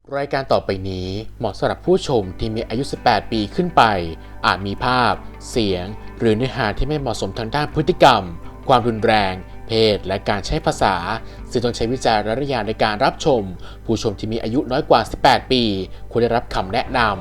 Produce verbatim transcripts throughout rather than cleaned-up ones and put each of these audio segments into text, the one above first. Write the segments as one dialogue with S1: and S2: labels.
S1: รายการต่อไปนี้เหมาะสำหรับผู้ชมที่มีอายุ สิบแปด ปีขึ้นไป อาจมีภาพ เสียง หรือเนื้อหาที่ไม่เหมาะสมทางด้านพฤติกรรม ความรุนแรง เพศ และการใช้ภาษา ซึ่งต้องใช้วิจารณญาณในการรับชม ผู้ชมที่มีอายุน้อยกว่า สิบแปด ปี ควรได้รับคำแนะนำ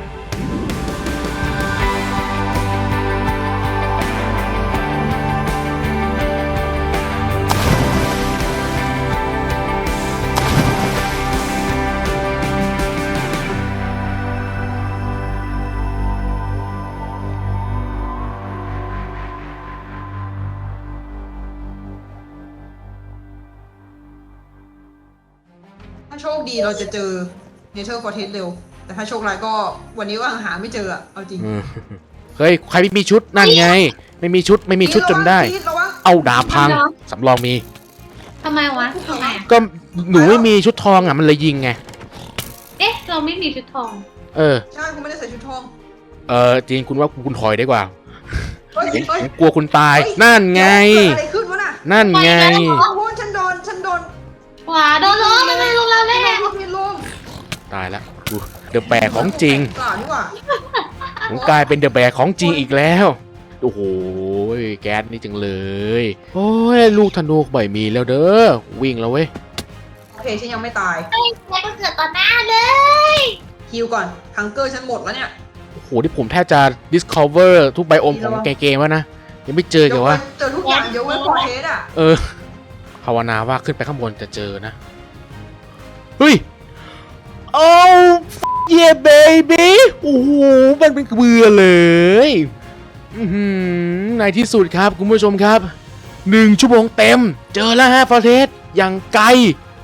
S2: ถ้าโชคดีเราจะเจอเนเธอร์ฟอร์เทสเร็ว แต่ถ้าโชคร้ายก็วันนี้ก็หาไม่เจออะเอาจริง
S1: เฮ้ย ใครไม่มีชุดนั่นไง ไม่มีชุดไม่มีชุดจนได้
S2: ระวัง
S1: เอาดาบพัง สำรองมี
S3: ทำไมวะทำไมอะ
S1: ก็หนูไม่มีชุดทองอ่ะมันเลยยิงไง
S3: เอ๊ะ เราไม่มีชุดทอง
S1: เออ
S2: ใช่คุณไม่ได้ใส่ชุดทอง
S1: เออจริงคุณว่าคุณถอยได้กว่า
S2: เฮ้ยเฮ้ย
S1: ผมกลัวคุณตาย
S2: เฮ้ย
S1: นั่นไง
S2: เกิดอะไรขึ้นวะน่ะ
S1: นั่นไง
S2: โอ้โหฉันโดนฉันโดน
S3: ขวาโดนล้อมันไม่ลงแล้วแน่
S2: ลูกมีลม
S1: ตายแล้วดูเดอะแบกของจริง
S2: กล่าวนี่หว่า
S1: ผมกลายเป็นเดอะแบกของจริงอีกแล้ว โอ้โหแก๊สนี่จังเลย โอ้ยลูกธนูบ่อยมีแล้วเด้อ วิ่งแล้วเว้ย
S2: โอเคฉันยังไม่ตาย
S3: เฮ้ยแกก็เกิดต่อหน้าเลย
S2: ฮิวก่อนฮังเกอร์ฉันหมดแล้วเนี่ย
S1: โอ้โหที่ผมแทบจะ discover ทุกไบโอมของเกมแล้วนะ ยังไม่เจอกันวะ
S2: เจอทุกอย่างเยอะเว้นฟอร์เทสอะ
S1: เออ ภาวนาว่าขึ้นไปข้างบนจะเจอนะ เฮ้ย โอ้เย่เบบี้โอ้โหมันเป็นเบื่อเลยอือหือในที่สุดครับคุณผู้ชมครับหนึ่งชั่วโมงเต็ม เจอแล้วฮะฟอร์เทสอย่างไกล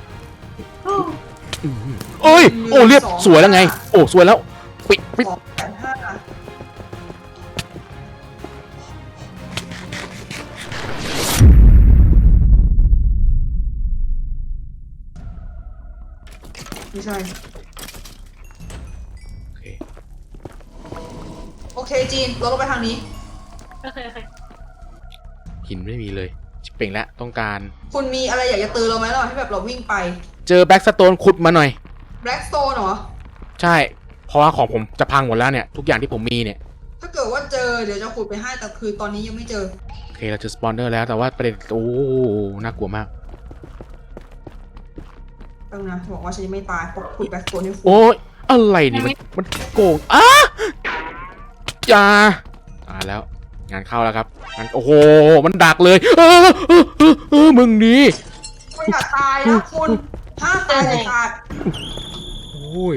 S1: เอ้ย โอ้เรียบสวยแล้วไง โอ้สวยแล้ว ปิดปิด
S2: สองแสนห้าไม่ใช่
S1: โอเค
S2: โอเคจีนเราลงไปทางนี้
S3: โอเคโอเค
S1: หินไม่มีเลยชิบเป่งแล้วต้องการ
S2: คุณมีอะไรอยากจะเตือนเราไหมระหว่างที่แบบเราวิ่งไป
S1: เจอแบ็กสโตนขุดมาหน่อย
S2: แบล็กสโตนเหรอ
S1: ใช่ เพราะว่าของผมจะพังหมดแล้วเนี่ย ทุกอย่างที่ผมมีเนี่ย
S2: ถ้าเกิดว่าเจอเดี๋ยวจะขุดไปให้แต่คือตอนนี้ยังไม่เจอ
S1: โอเค เราเจอสปอนเนอร์แล้วแต่ว่าประเด็นโอ้น่ากลัวมาก
S2: ต้องนะบอกว่าฉันยังไม่ตายเพราะขุดแบล็กสโตนให้คุณ
S1: โอ้ยอะไรนี่มันมันโกงอ้าจ้าตายแล้ว งานเข้าแล้วครับงานโอ้โห มันดักเลย เออเออเออเออมึงนี่
S2: คุณอย่าตายนะคุณห้ามตายเลยขาด
S1: โอ้ย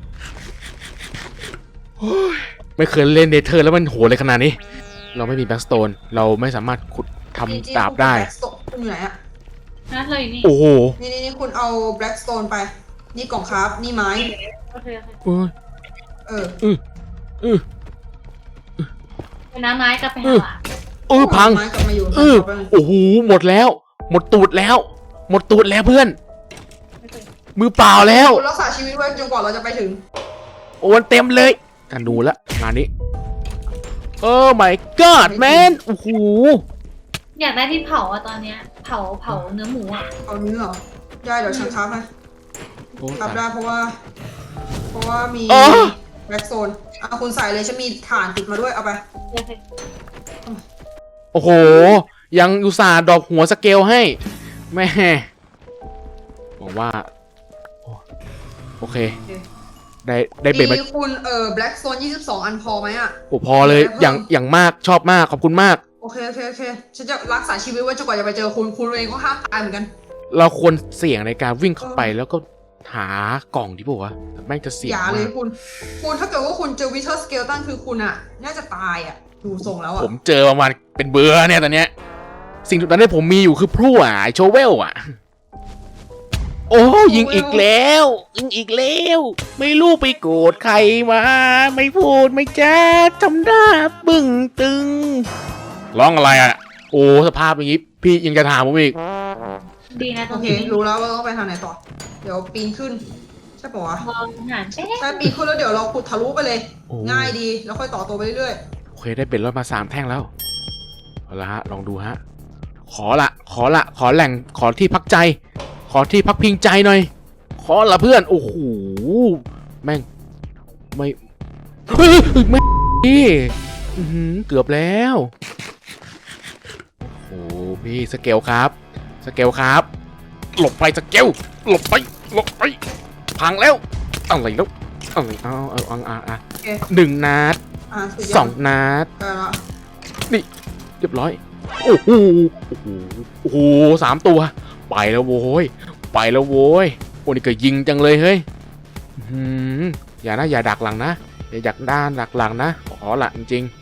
S1: โอ้ยไม่เคยเล่นเดเธอร์แล้วมันโหดเลยขนาดนี้ เราไม่มีแบ็กสโตนเราไม่สามารถขุดทำดาบได้
S2: คุณอยู่ไหนอะ
S3: นะเราอยู่นี่
S1: โอ้โห
S2: นี่นี่นี่คุณเอาแบล็กสโตนไป นี่กล่องครับนี่ไม้
S3: โอเคโอเค
S1: โอ้ย
S2: เออ
S1: อืออือ
S3: เป็นน้ำไม้กลับไปหาหวาน
S1: เออพัง
S2: ไม้กลับมาอยู่
S1: เออโอ้โหหมดแล้ว หมดตูดแล้ว หมดตูดแล้วเพื่อน
S3: โอเค
S1: มือเปล่าแล้ว
S2: คุณรักษาชีวิตไว้จนกว่าเราจะไปถึง
S1: โอ้มันเต็มเลยกันดูละงานนี้โอ้ my god man โอ้โห
S3: อยากได้ที่เผาอะตอนเนี้ย เผาเผาเนื้อหมูอะ
S2: เอาเนื้อเหรอได้เดี๋ยวฉันครับให้
S1: โอ้
S2: ครับได้เพราะว่า เพราะว่ามี
S1: อ๋อ
S2: แบล็กโซนอ่ะคุณใส่เลยฉันมีถ่านติดมาด้วยเอาไป
S3: โอเค
S1: โอ้โห ยังอุตส่าห์ดอกหัวสเกลให้ แม่บอกว่าโอ้โอเค
S2: โอเค
S1: ได้ได้เบ็ดมา
S2: ดีคุณเอ่อแบล็กโซนยี่สิบสองอันพอไหมอ่ะ
S1: โอ้พอเลยอย่างอย่างมากชอบมากขอบคุณมาก
S2: โอเคโอเคโอเคฉันจะรักษาชีวิตไว้จนกว่าจะไปเจอคุณคุณเองก็ห้ามตายเหมือนกัน
S1: เราควรเสี่ยงในการวิ่งเข้าไปแล้วก็หากล่องที่บอกว่าแม่งจะเสี่ยง
S2: อย่าเล
S1: มาย ก
S2: คุณ คุณถ้าเกิดว่าคุณเจอวิเทอร์สเกลตันคือคุณอ่ะ น่าจะตายอ่ะ ดูทรงแล้วอ่ะ
S1: ผมเจอประมาณเป็นเบื่อเนี่ยตอนเนี้ยสิ่งตอนนี้ผมมีอยู่คือพลั่วไอโชเวลอ่ะ โอ้ยิงอีกแล้วยิงอีกแล้วไม่รู้ไปโกรธใครมาไม่พูดไม่แจ้ทำหน้าบึ้งตึงร้องอะไรอ่ะโอ้สภาพอย่างนี้พี่ยังจะถามผมอีก
S3: ดีนะต
S2: โอ
S3: รง
S2: เค
S3: นี้
S2: รู้แล้วว่าต้องไปทางไหนต่อ เดี๋ยวปีนขึ้น ใช่ปะวะ
S3: ลองหารเอ๊ะ
S2: ใช่ปีนขึ้นแล้วเดี๋ยวเราขุดทะลุไปเลย
S1: โอ้
S2: ง่ายดี แล้วค่อยต่อตัวไปเรื่อย
S1: โอเคได้เบ็ดรถมาสามแท่งแล้วเอาละฮะลองดูฮะขอละขอละขอแหล่งขอที่พักใจ ขอที่พักพิงใจหน่อย ขขอละเพื่อนโอ้โหแม่งไม่เฮ้ยไม่พี่อื้อหือเกือบแล้วโอ้โหพี่สเกลครับสเกลครับหลบไปสเกลหลบไปหลบไปพังแล้วอะไรแล้วอะไรเอาเอาเอาเอาเอา
S2: โอเค
S1: หนึ่งนัด
S2: อ่าสุดย
S1: ส
S2: อ
S1: อ
S2: ด
S1: งนัด
S2: ได้ละ
S1: นี่เรียบร้อยโอ้โหโอ้โหโอ้โหสามตัวไปแล้วโว้ยไปแล้วโว้ยโอ้นี่ก็ยิงจังเลยเฮ้ยอื้อหืออย่านะอย่าดักหลังนะอย่าดักด้านดักหลังนะขอละจริง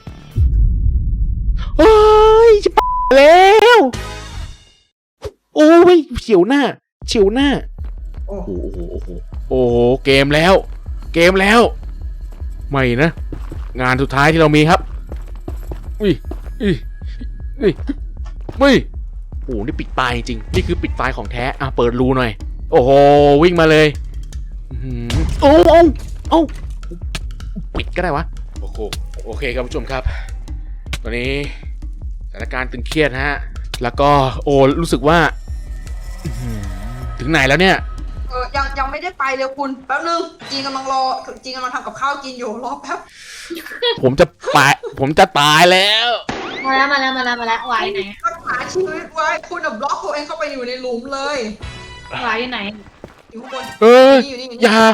S1: ๆเฮ้ยจะไปแล้วโอ้ยเฉียวหน้าเฉียวหน้า
S2: โอ้
S1: โอ้โหโอ้โหโอ้โหเกมแล้ว เกมแล้วไม่นะงานสุดท้ายที่เรามีครับอุ้ยอุ้ยอุ้ยอุ้ยโอ้โหนี่ปิดตายจริงนี่คือปิดตายของแท้อ่ะเปิดรูหน่อยโอ้โหวิ่งมาเลยอื้อหือโอ้โอ้โอ้ปิดก็ได้วะโอ้โหโอเคครับผู้ชมครับตอนนี้สถานการณ์ตึงเครียดฮะแล้วก็โอ้รู้สึกว่าอื้อหือถึงไหนแล้วเนี่ย
S2: เออยังยังไม่ได้ไปเลยคุณแป๊บนึงจีนกำลังรอจีนกำลังทำกับข้าวกินอยู่รอแป๊บ
S1: ผมจะตายผมจะตายแล้ว
S3: มาแล้วมาแล้วมาแล้วมาแล้ววายไหน
S2: รักษาชีวิตไว้คุณอะบล็อกตัวเองเข้าไปอยู่ในหลุมเลยว
S3: ายอยู่ไหน
S2: อยู่ข้างบน
S1: เออ
S2: นี่อยู่นี่อยู่
S1: อ
S2: นี่
S1: ย่า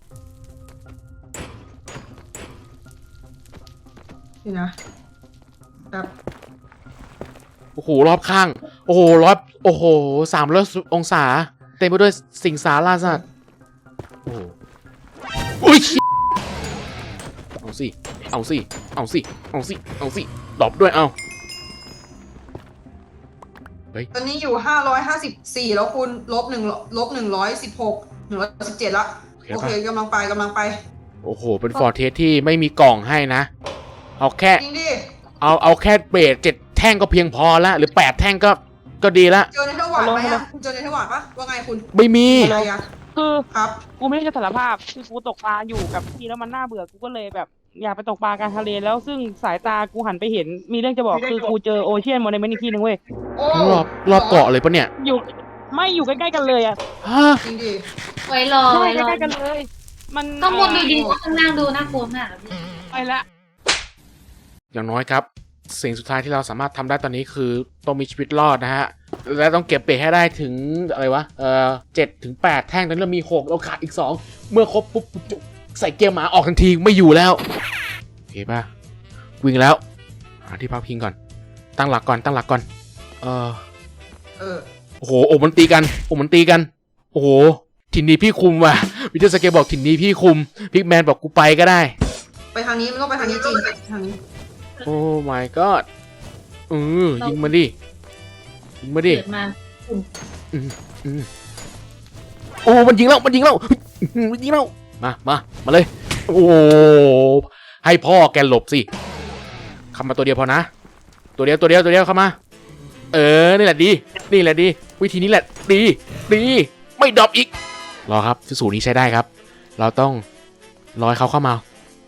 S2: นี่นะแบบ
S1: โอ้โหรอบข้าง โอ้โหรอบโอ้โหสามร้อยองศาเต็มไปด้วยสิงสาราสัตว์โอ้โหอุ้ยเอาสิเอาสิเอาสิเอาสิเอาสิดรอปด้วยเอา
S2: ตอนนี้อยู่ห้าร้อยห้าสิบสี่แล้วคุณลบหนึ่งลบหนึ่งร้อยสิบหกหนึ่งร้อยสิบเจ็ดละโอเคกำลังไปกำลังไป
S1: โอ้โหเป็นฟอร์เทสที่ไม่มีกล่องให้นะเอาแค่
S2: จริงดิ
S1: เอาเอาแค่เบสเจ็ดแท่งก็เพียงพอละหรือแปดแท่งก็ก็ดีละ
S2: เจอในเทวาร์ดไหมอะคุณเจอในเทวาร์ดปะว่าไงคุณ
S1: ไม่มี
S2: อะไรอะ
S4: คือ
S2: ครับ
S4: กูไม่ได้จะสารภาพคือกูตกปลาอยู่กับพี่แล้วมันน่าเบื่อกูก็เลยแบบ อยากไปตกปลากลางทะเลแล้วซึ่งสายตากูหันไปเห็นมีเรื่องจะบอกคือกูเจอโอเชียนโมเดลเมนต์อีกที่หนึงเว้ย
S2: โอ้
S1: รอบรอบเกาะเลยปะเนี่ย
S4: อยู่ไม่อยู่ใกล้ๆกันเลยอ่ะ
S1: ฮะ
S2: จริงดิ
S3: ไว้รอ
S4: ใช่
S3: ไว้รอ
S4: ใกล้ๆกันเลย มัน
S3: ข้างบนดูดีกว่าข้างล่างดูน่ากลัวมากอะพี่
S4: ไปละ
S1: อย่างน้อยครับ สิ่งสุดท้ายที่เราสามารถทำได้ตอนนี้คือต้องมีชีวิตรอดนะฮะและต้องเก็บเบสให้ได้ถึงอะไรวะเออเจ็ดถึงแปดแท่งตอนนี้เรามีหกเราขาดอีกสองเมื่อครบปุ๊บปุ๊บปุ๊บใส่เกียร์หมาออกทันทีไม่อยู่แล้วโอเคป่ะวิ่งแล้วหาที่พักพิงก่อนตั้งหลักก่อนตั้งหลักก่อนเออ
S2: เออ
S1: โอ้โหโอ้มันตีกันโอ้มันตีกันโอ้โหถิ่นนี้พี่คุมว่ะวิเทอร์สเกตบอกถิ่นนี้พี่คุมพิกแมนบอกกูไปก็ได้
S2: ไปทางนี้มันต้องไปทางนี้จริงไปทางนี้
S1: โอ้ my god เออยิงมาดิยิงมาดิ
S3: เกิดมา
S1: โอ้มันยิงแล้วมันยิงแล้วมันยิงแล้วมามามาเลยโอ้ให้พ่อแกหลบสิเข้ามาตัวเดียวพอนะตัวเดียวตัวเดียวตัวเดียวเข้ามาเออนี่แหละดีนี่แหละดีวิธีนี้แหละดีดีไม่ดรอปอีกรอครับสูตรนี้ใช้ได้ครับ เราต้องรอให้เขาเข้ามา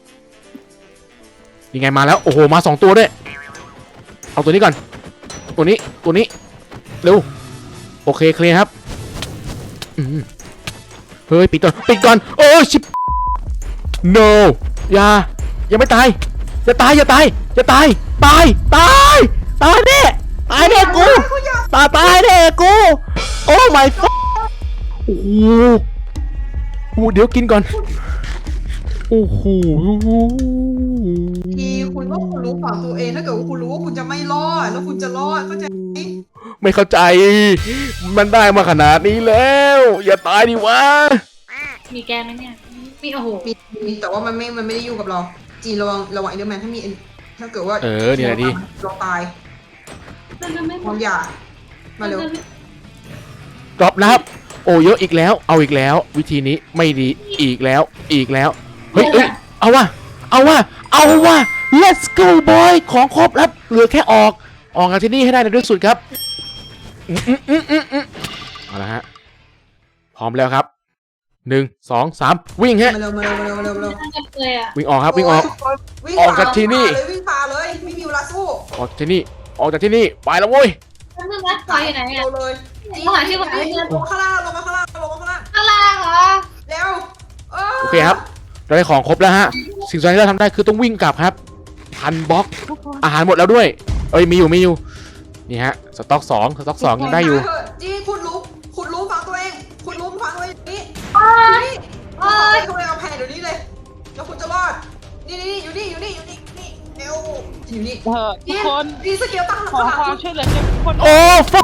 S1: ยังไงมาแล้วโอ้โหมาสองตัวด้วยเอาตัวนี้ก่อนตัวนี้ตัวนี้เร็วโอเคเคลียร์ครับอืมเฮ้ยปิดก่อนปิดก่อนโอ้ชิบ no อย่ายังไม่ตายอย่าตายอย่าตายอย่าตายตายตายตายแน่ตายแน่กูตายตายแน่กูโอ้ my fuck โอ้โหโอ้เดี๋ยวกินก่อนโอ้โห
S2: ทีคุณว่าคุณรู้ฝั่งตัวเองถ้าเกิดว่าคุณรู้ว่าคุณจะไม่รอดแล้วคุณจะรอดเข้าใจไหม
S1: ไม่เข้าใจมันได้มาขนาดนี้แล้ว อย่าตายดิวะ
S3: มีแกไหมเนี่ยมีโอ้โห
S2: มีมีแต่ว่ามันไม่มันไม่ได้ยุ่งกับเราจีนระวังระวังเอเดอร์แมนถ้ามี ถ้าเกิดว่า
S1: เออนี่แหละดิ
S2: เราตาย
S3: มันจะไม่
S2: ความอยากมาเร็ว
S1: ดรอปนะครับโอ้เยอะอีกแล้วเอาอีกแล้ว วิธีนี้ไม่ดีอีกแล้วอีกแล้วเฮ้ยเอ้ยเอาวะเอาวะเอาวะ let's go boy ของครบแล้วเหลือแค่ออกออกจากที่นี่ให้ได้ในที่สุดครับอืมอืมอืมอืมอืมเอาละฮะพร้อมแล้วครับหนึ่งสองสามวิ่งฮะ
S2: มาเร็วมาเร็วมาเร็วมาเร็วมาเร็ว
S3: น่าจะเลยอ่ะ
S1: วิ่งออกครับวิ่งออก
S2: โยวิ่ง
S1: ออกจากที่นี่
S2: เลยวิ่งพาเลยไม่มีเวลาสู้
S1: ออกจากที่นี่ออกจากที่นี่ไปแล้วเว้ย
S3: นั่นนึงนะวายอยู่ไหนอ่ะ
S2: เร็วเลย
S3: เขาหาชื่อคนอื่น
S2: ลงข้างล่างลงมาข้างล่างลงมาข้างล่าง
S3: เอข้างล่างเหรอ
S2: เร็ว
S1: โอเคครับ เราได้ของครบแล้วฮะ สิ่งสุดท้ายที่เราทำได้คือต้องวิ่งกลับครับ พันบล็อก อาหารหมดแล้วด้วย เอ้ย มีอยู่ มีอยู่ นี่ฮะ สต็อกสองสต็อกสองยังได้อยู่
S2: จีคุณรู้คุณรู้ฟังตัวเอง คุณรู้ฟังตัวเองนี่
S3: โอ๊ย
S2: นี่
S3: โอ๊ย
S2: คุณเลยเอาแผ่นเดี๋ยวนี้เลยแล้วคุณจะรอด นี่นี่อยู่นี่อยู่นี่อยู่นี่นี่เร็วอยู่นี่
S4: เออทุกคน
S2: ดีสเกลตั้ง
S4: ขอความช่วยเหลือจากทุกคน
S1: โอ้ฟัก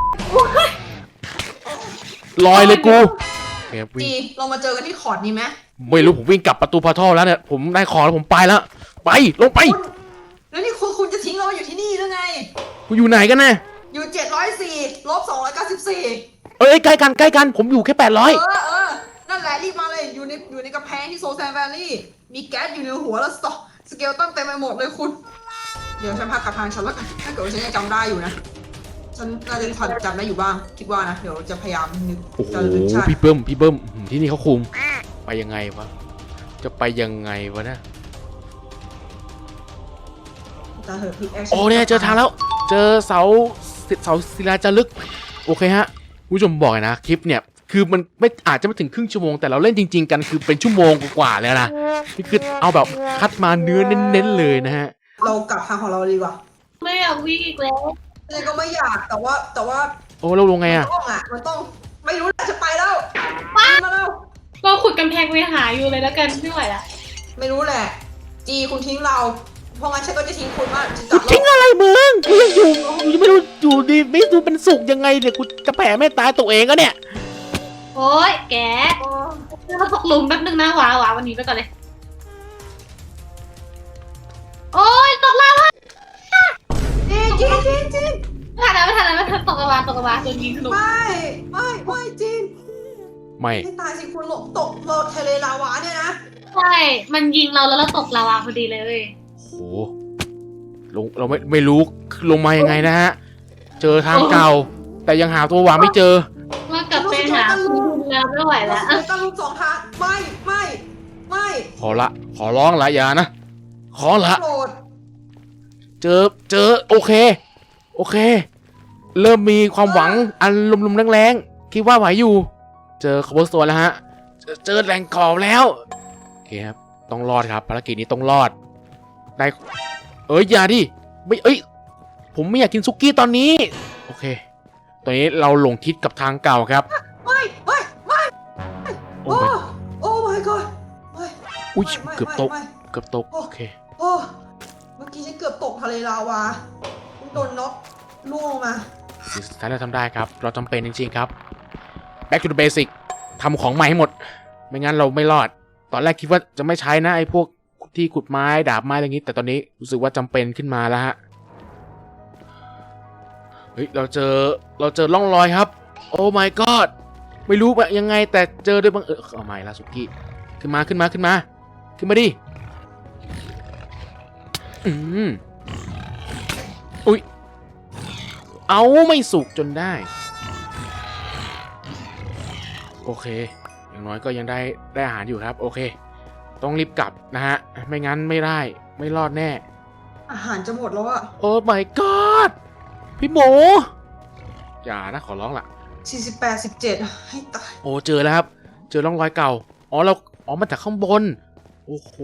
S1: ลอยเลยกูโอเควิ่ง
S2: จีเรามาเจอกันที่คอร์ดนี้ไหม
S1: ไม่รู้ผมวิ่งกลับประตูพอร์ทัลแล้วเนี่ย ผมได้ของแล้วผมไปแล้ว ไป ลงไป
S2: คุณแล้วนี่คุณคุณจะทิ้งเราอยู่ที่นี่หรือไง
S1: กูอยู่ไหนกันนะ
S2: อยู่เจ็ดร้อยสี่ลบสองร้อยเก้าสิบสี่
S1: เอ้ยใกล้กันใกล้กัน ผมอยู่แค่แปดร้อย
S2: เออเออนั่นแหละรีบมาเลยอยู่ในอยู่ในกระแพงที่โซแซนแวลลี่มีแก๊สอยู่ในหัวแล้วสตอสเกลตั้งเต็มไปหมดเลยคุณ เดี๋ยวฉันพากลับทางฉันแล้วกันถ้าเกิดว่าฉันยังจำได้อยู่นะ ฉันน่าจะทันจำได้อยู่บ้าง คิดว่านะ เดี๋ยวจะพยายามนึก
S1: โอ้โห
S2: จะนึกใช่
S1: พี่เบิ้มพี่เบิ้มอืมที่นี่เขาคุม ไปยังไงวะ จะไปยังไงวะเนะ
S2: จะเหอะพิกแอค
S1: โอ้เนี่ยเจอทางแล้ว เจอเสาเสาศิลาจารึก โอเคฮะผู้ชมบอกเลยนะคลิปเนี่ยคือมันไม่อาจจะไม่ถึงครึ่งชั่วโมงแต่เราเล่นจริง ๆ กันคือเป็นชั่วโมงกว่าๆแล้วนะนี่คือเอาแบบคัดมาเนื้อเน้นๆเลยนะฮะ
S2: เรากลับทางของเราดีกว่า
S3: ไม่อยากวิ่งอีกแล้ว
S2: ฉันก็ไม่อยากแต่ว่าแต่ว่า
S1: โอ้เราลงไงอะ
S2: ต้องอ่ะมันต้องไม่รู้แหละจะไปแล้วมาแล้ว
S3: เราขุดกำแพงไปหาอยู่เลยแล้วกันไม่ไหวละ
S2: ไม่รู้แหละ จีคุณทิ้งเรา เพราะงั้นฉันก็จะทิ้งคุณว่าจะ
S1: กู
S2: จับ
S1: ทิ้งอะไรมึงกูยังอยู่กูยังไม่รู้อยู่ดีไม่รู้เป็นสุขยังไงเนี่ยกูจะแผ่ไม่ตายตัวเองก็เนี่ย
S3: โอ๊ยแกเราตกหลุมแป๊บนึงนะหวาหวาวันนี้ไปก่อนเลย โอ๊ยตกลาวา
S2: จีจีจีจี
S3: ไม่ทันแล้วไม่ทันแล้วไม่ทันตกลาวาตกลาวาโดนยิงทะลุ
S2: ไม่ไม่ไม่จี
S1: ไม่
S2: ไม่ตายสิคุณหลบตกโลดทะเลลาวาเนี่ยนะ
S3: ใช่ มันยิงเราแล้วเราตกลาวาพอดีเลย
S1: โหลงเราไม่ไม่รู้ลงมายังไงนะฮะเจอทางเก่า แต่ยังหาตัวหวานไม่เจอ
S3: ว่ากลับไปหาคุณแล้วไม่ไหวแล้ว
S2: เราต้องลุกสองทางไม่ไม่ไม่
S1: ขอละ ขอร้องละอย่านะ ขอละ
S2: โกรธ
S1: เจอ เจอ โอเค โอเค เริ่มมีความหวังอันลุมๆแรงๆ คิดว่าไหวอยู่ เจอคาร์บอนสโตนแล้วฮะ เจอเจอแหล่งกรอบแล้ว โอเคครับ ต้องรอดครับ ภารกิจนี้ต้องรอด ได้ เอ้ย อย่าดิ ไม่ เอ้ย ผมไม่อยากกินซุกี้ตอนนี้ โอเค ตอนนี้เราหลงทิศกับทางเก่าครับ
S2: ไม่ไม่ไม่
S1: โอ้
S2: โอ้
S1: ย
S2: โอ้ my god ไม่
S1: อุ้ย
S2: ไม่
S1: เกือบตก
S2: ไม่
S1: เกือบตก โอเค
S2: โอ้เมื่อกี้ฉันเกือบตกทะเลลาวาโดนน็อกล่วงลงมา
S1: สิ่งสุดท้ายเราทำได้ครับ เราจำเป็นจริงๆครับ back to the basic ทำของใหม่ให้หมด ไม่งั้นเราไม่รอด ตอนแรกคิดว่าจะไม่ใช้นะไอ้พวกที่ขุดไม้ดาบไม้อะไรอย่างนี้ แต่ตอนนี้รู้สึกว่าจำเป็นขึ้นมาแล้วฮะ เฮ้ย เราเจอ เราเจอร่องรอยครับ โอ้ my god ไม่รู้ว่ายังไงแต่เจอด้วยบังเอิญเอาใหม่ละสุกี้ ขึ้นมาขึ้นมาขึ้นมา ขึ้นมาดิ อืมอุ๊ย เอาไม่สุกจนได้ โอเค อย่างน้อยก็ยังได้ได้อาหารอยู่ครับ โอเค ต้องรีบกลับนะฮะ ไม่งั้นไม่ได้ ไม่รอดแน่
S2: อาหารจะหมดแล้วอะ
S1: โอ้ my god พี่หมู อย่านะ ขอร้องล่ะ
S2: สี่สิบแปด สิบเจ็ดให้ตาย
S1: โอ้ เจอแล้วครับ เจอร่องรอยเก่า อ๋อ เรา อ๋อ มาจากข้างบน โอ้โห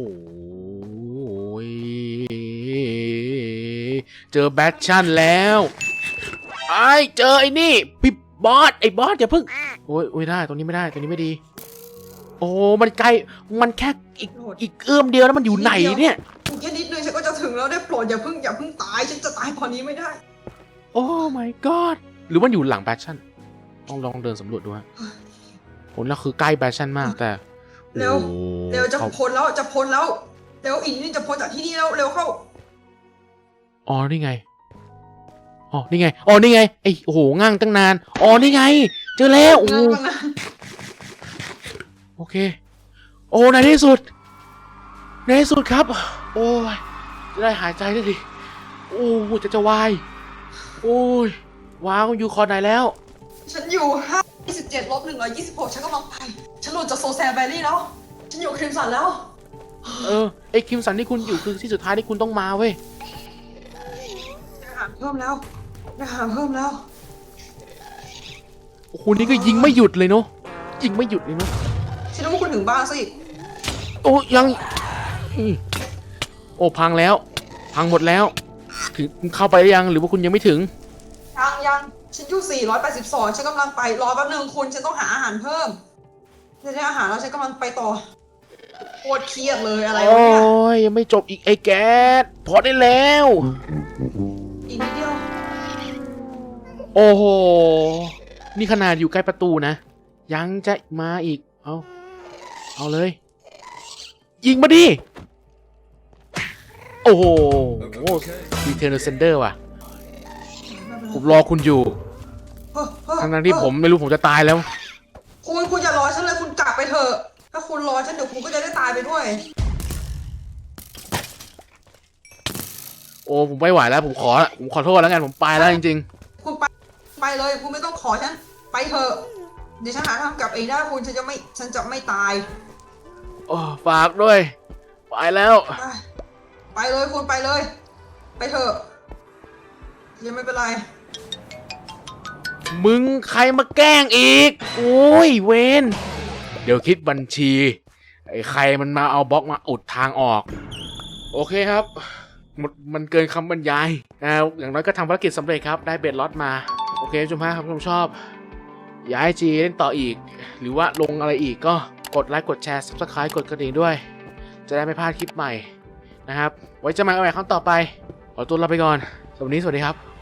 S1: เจอแบทชั่นแล้วไอ้เจอไอ้นี่พี่บอส ไอ้บอสอย่าเพิ่ง โอ้ยโอ้ยได้ ตรงนี้ไม่ได้ ตรงนี้ไม่ดี โอ้ มันไกล มันแค่อีก อีกเอื้อมเดียวแล้วมันอยู่ไหนเนี่ย
S2: แค่นิดนึงฉันก็จะถึงแล้วได้โปรดอย่าเพิ่งอย่าเพิ่งตายฉันจะตายพอนี้ไม่ได้
S1: โอ้ my god หรือมันอยู่หลังแบทชั่นต้องลองเดินสำรวจดูฮะผลแล้วคือใกล้แบทชั่นมากแต่
S2: เร็ว
S1: โอ้
S2: เร็วจะ
S1: ขา
S2: พ้นแล้วจะพ้นแล้วเร็วอีกนิดจะพ้นจากที่นี่แล้วเร็วเข้า
S1: อ๋อ นี่ไง อ๋อ นี่ไง อ๋อ นี่ไง ไอ้โอ้โหง่างตั้งนาน อ๋อ นี่ไง เจอแล้ว โอ้
S2: นั่งนะ
S1: โอเค โอ้ในที่สุด ในที่สุดครับ โอ้ย จะได้หายใจได้ทีโอ้จะจะวาย โอ้ย ว้าวอยู่คอไหนแล้ว
S2: ฉันอยู่ห้าสิบเจ็ดลบหนึ่งร้อยยี่สิบหกฉันกำลังไปฉันหลุดจากโซแซนแวลลี่แล้วฉันอยู่คริมสันแล้ว
S1: เออ ไอ้คิมสันที่คุณอยู่คือที่สุดท้ายที่คุณต้องมาเว้ย
S2: อาหารเพิ่มแล้วอาหารเพิ่มแล้ว
S1: โอ้โห นี่ก็ยิงไม่หยุดเลยเนาะยิงไม่หยุดเลยนะ
S2: ฉันนึกว่าคุณถึงบ้านซะอีก
S1: โอ้ยังอืมโอ้พังแล้ว พังหมดแล้วถึงเข้าไปหรือยังหรือว่าคุณยังไม่ถึง
S2: ยังยังฉันอยู่สี่ร้อยแปดสิบสองฉันกำลังไปรอแป๊บนึงคุณฉันต้องหาอาหารเพิ่มฉันได้อาหารแล้วฉันกำลังไปต่อโคตรเครียดเลยอะไร
S1: โอ้
S2: วะเนี่ย
S1: ยยังไม่จบอีกไอ้แก๊สพอได้แล้ว
S2: อีกนิดเดียว
S1: โอ้โหนี่ขนาดอยู่ใกล้ประตูนะยังจะมาอีกเอาเอาเลยยิงมาดิโอ้โหดีเทนเซนเดอร์ว่ะผมรอคุณอยู่
S2: เฮ้อเฮ้อ
S1: ทั้งนั้นที่ผมไม่รู้ผมจะตายแล้ว
S2: คุณคุณอย่ารอฉันเลยคุณกลับไปเถอะถ้าคุณรอฉันเดี๋ยวคุณก็จะได้ตายไปด้วย
S1: โอ้ผมไม่ไหวแล้วผมขอผมขอโทษแล้วกันผมไปแล้วจริง
S2: คุณไปไปเลยคุณไม่ต้องขอฉันไปเถอะเดี๋ยวฉันหาทางกลับเองได้คุณฉันจะไม่ฉันจะไม่ตาย
S1: ๆโอ้ฝากด้วยไปแล้ว
S2: ไปไปเลยคุณไปเลย ไปเถอะยังไม่เป็นไร
S1: มึงใครมาแกล้งอีกโอ้ยเวนเดี๋ยวคิดบัญชีไอ้ใครมันมาเอาบล็อกมาอุดทางออกโอเคครับหมดมันเกินคำบรรยายนะอย่างน้อยก็ทำภารกิจสำเร็จครับได้เบ็ดล็อตมาโอเคชมพาครับชมชอบอยากให้จีเล่นต่ออีก หรือว่าลงอะไรอีกก็กดไลค์กดแชร์ ซับสไครบ์ กดกระดิ่งด้วย จะได้ไม่พลาดคลิปใหม่นะครับไว้เจะมากันใหม่ครั้งต่อไปขอตัวลาไปก่อนสวัสดีสวัสดีครับ